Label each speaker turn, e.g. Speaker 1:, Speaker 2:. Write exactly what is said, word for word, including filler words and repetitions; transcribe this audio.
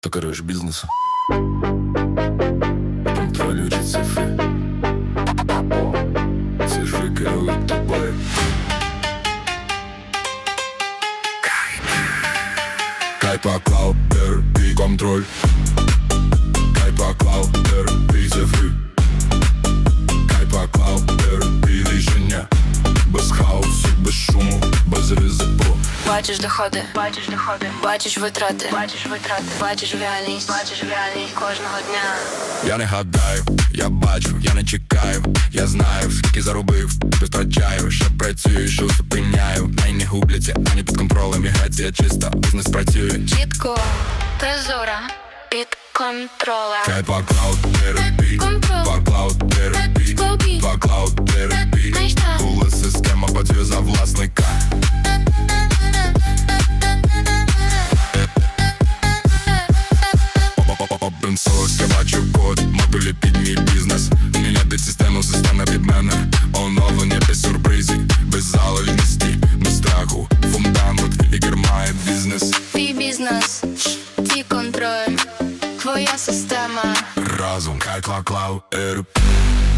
Speaker 1: Ти керуєш бізнесом, контролюючи цифри. Цифри керують тобою. Кайпа Клауд, і контроль. Кайпа Клауд, і цифри. Кайпа Клауд, і рішення. Без хаосу, без шуму, без ризику.
Speaker 2: Бачиш доходи, бачиш доходи, бачиш витрати, бачиш витрати, бачиш реальність, бачиш реальність кожного дня.
Speaker 1: Я не гадаю, я бачу, я не чекаю. Я знаю, скільки заробив, витрачаю, що працюю, що зупиняю. Най не губляться, ані під контролем. Міграція чиста, бізнес працює
Speaker 2: Чітко, прозора, під контролем.
Speaker 1: Кайпа Клауд, терапі, Кайпа Клауд, терапі, Кайпа Клауд, терапі. Коли система працює за власника. Open source, я бачу код, модулі під мій бізнес. Міняти систему, система під мене. Оновлення без сюрпризів, без залежності, без страху. Фундамент і кермає бізнес.
Speaker 2: Твій бізнес, твій контроль, твоя система.
Speaker 1: Разом Кайпа Клауд, терапі.